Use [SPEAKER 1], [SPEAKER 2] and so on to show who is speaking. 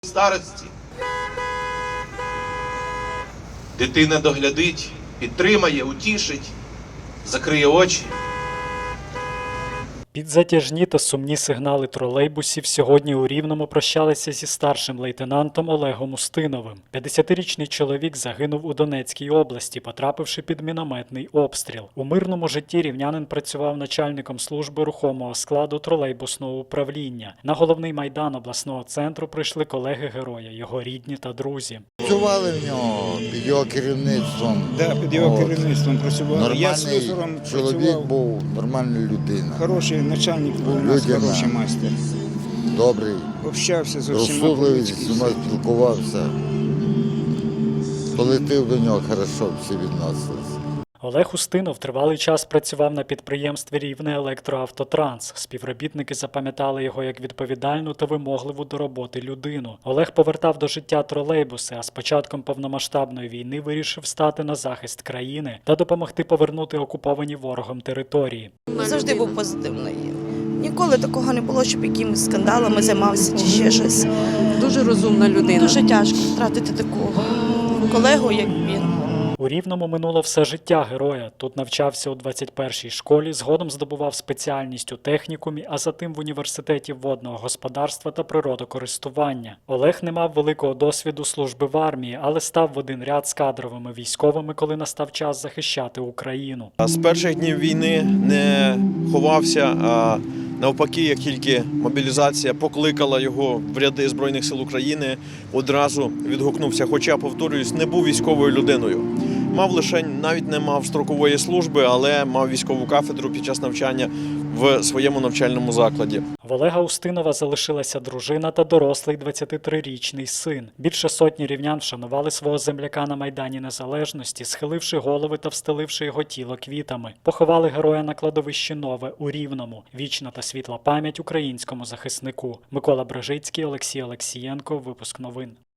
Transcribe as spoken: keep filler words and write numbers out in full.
[SPEAKER 1] старості. Дитина доглядить, підтримає, утішить, закриє очі.
[SPEAKER 2] Під затяжні та сумні сигнали тролейбусів сьогодні у Рівному прощалися зі старшим лейтенантом Олегом Устиновим. п'ятдесятирічний чоловік загинув у Донецькій області, потрапивши під мінометний обстріл. У мирному житті рівнянин працював начальником служби рухомого складу тролейбусного управління. На головний майдан обласного центру прийшли колеги героя, його рідні та друзі.
[SPEAKER 3] Працювали в нього під його керівництвом.
[SPEAKER 4] Да, під його
[SPEAKER 3] От.
[SPEAKER 4] керівництвом працював. Я
[SPEAKER 3] Нормальний
[SPEAKER 4] слюсарем
[SPEAKER 3] чоловік
[SPEAKER 4] працював.
[SPEAKER 3] був, нормальна людина.
[SPEAKER 4] Хороший начальник був у нас,
[SPEAKER 3] Людяна.
[SPEAKER 4] хороший майстер.
[SPEAKER 3] Добрий,
[SPEAKER 4] Общався з усіма
[SPEAKER 3] розсудливий, зі
[SPEAKER 4] по-людськи.
[SPEAKER 3] всіма спілкувався. Колектив до нього хорошо всі відносилися.
[SPEAKER 2] Олег Устинов тривалий час працював на підприємстві «Рівне Електроавтотранс». Співробітники запам'ятали його як відповідальну та вимогливу до роботи людину. Олег повертав до життя тролейбуси, а з початком повномасштабної війни вирішив стати на захист країни та допомогти повернути окуповані ворогом території.
[SPEAKER 5] Завжди був позитивний. Ніколи такого не було, щоб якимись скандалами займався чи ще щось.
[SPEAKER 6] Дуже розумна людина.
[SPEAKER 5] Дуже тяжко втратити такого колегу, як він.
[SPEAKER 2] У Рівному минуло все життя героя. Тут навчався у двадцять першій школі, згодом здобував спеціальність у технікумі, а затим в університеті водного господарства та природокористування. Олег не мав великого досвіду служби в армії, але став в один ряд з кадровими військовими, коли настав час захищати Україну.
[SPEAKER 7] З перших днів війни не ховався, а навпаки, як тільки мобілізація покликала його в ряди Збройних сил України, одразу відгукнувся. Хоча, повторююсь, не був військовою людиною. Мав лише, навіть не мав строкової служби, але мав військову кафедру під час навчання в своєму навчальному закладі.
[SPEAKER 2] В Олега Устинова залишилася дружина та дорослий двадцятитрирічний син. Більше сотні рівнян вшанували свого земляка на Майдані Незалежності, схиливши голови та встеливши його тіло квітами. Поховали героя на кладовищі Нове у Рівному. Вічна та світла пам'ять українському захиснику. Микола Брижицький, Олексій Олексієнко. Випуск новин.